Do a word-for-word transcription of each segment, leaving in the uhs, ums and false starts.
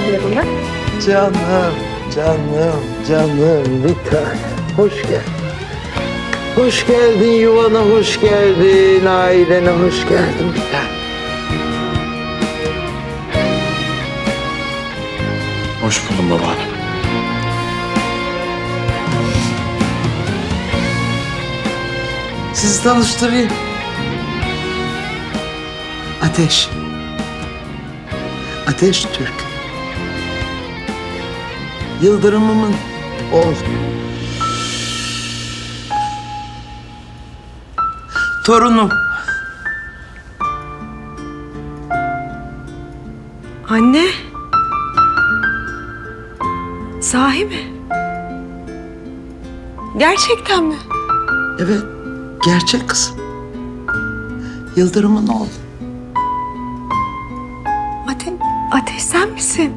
hazırladım ben. Canım, canım, canım bir tane. Hoş geldin. Hoş geldin yuvana, hoş geldin. Ailene hoş geldin bir tane. Hoş buldum babaanne. Sizi tanıştırayım. Ateş. Ateş Türk. Yıldırım'ımın oğlu. Torunum. Anne. Sahi mi? Gerçekten mi? Evet, gerçek kızım. Yıldırım'ın oğlu. Ate Ateş sen misin?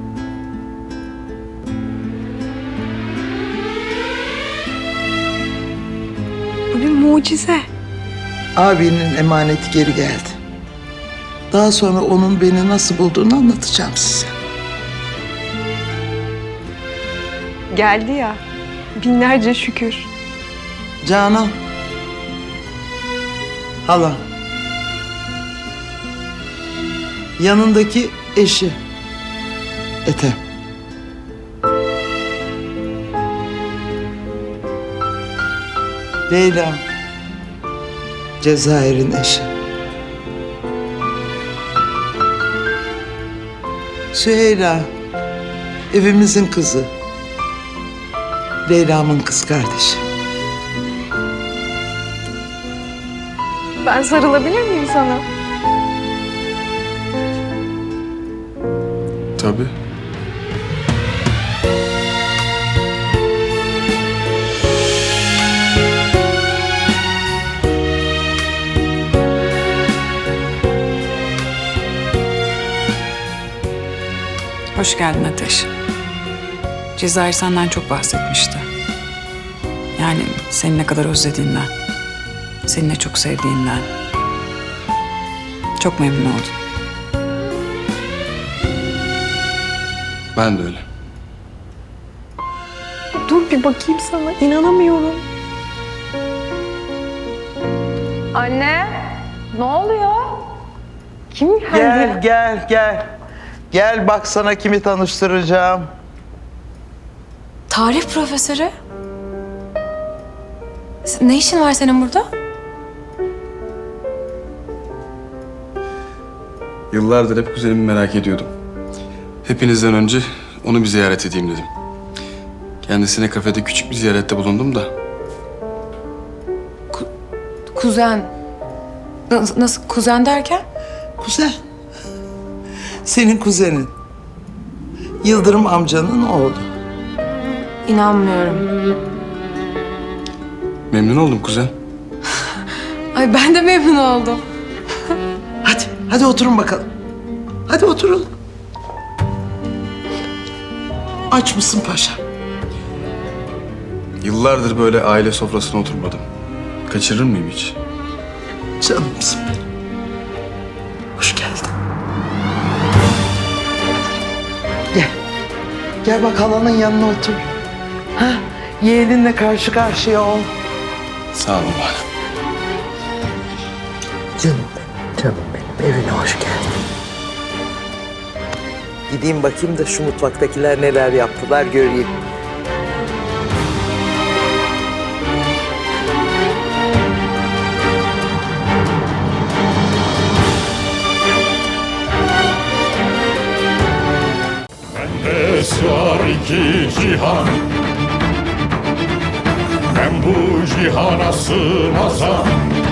Bu bir mucize. Abinin emaneti geri geldi. Daha sonra onun beni nasıl bulduğunu anlatacağım size. Geldi ya. Binlerce şükür. Canan. Hala. Yanındaki eşi. Ethem. Leyla. Cezayir'in eşi. Süheyla. Evimizin kızı. Leyla'mın kız kardeşi. Ben sarılabilir miyim sana? Tabii. Hoş geldin Ateş. Cezayir senden çok bahsetmişti. Yani seni ne kadar özlediğinden, seni ne çok sevdiğinden. Çok memnun oldum. Ben de öyle. Dur bir bakayım sana. İnanamıyorum. Anne, ne oluyor? Kim geldi? Gel, gel, gel. Gel bak sana kimi tanıştıracağım. Tarih profesörü. Ne işin var senin burada? Yıllardır hep kuzenimi merak ediyordum. Hepinizden önce onu bir ziyaret edeyim dedim. Kendisine kafede küçük bir ziyarette bulundum da. Kuzen. Nasıl, nasıl kuzen derken? Kuzen. Senin kuzenin. Yıldırım amcanın oğlu. İnanmıyorum. Memnun oldum kuzen. Ay ben de memnun oldum. Hadi, hadi oturun bakalım. Hadi oturun. Aç mısın paşa? Yıllardır böyle aile sofrasına oturmadım. Kaçırır mıyım hiç? Canımsın benim. Hoş geldin. Gel. Gel bak halanın yanına otur. Ha, yeğeninle karşı karşıya ol. Sağ ol babaanne. Canım benim, canım benim. Evine hoş geldin. Gideyim bakayım da şu mutfaktakiler neler yaptılar göreyim. Bende sığar iki cihan, ben bu cihana sığmazam.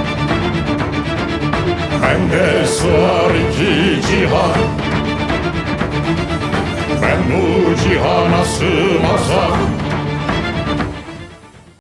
Bende sığar iki cihan, ben bu cihana sığmazam.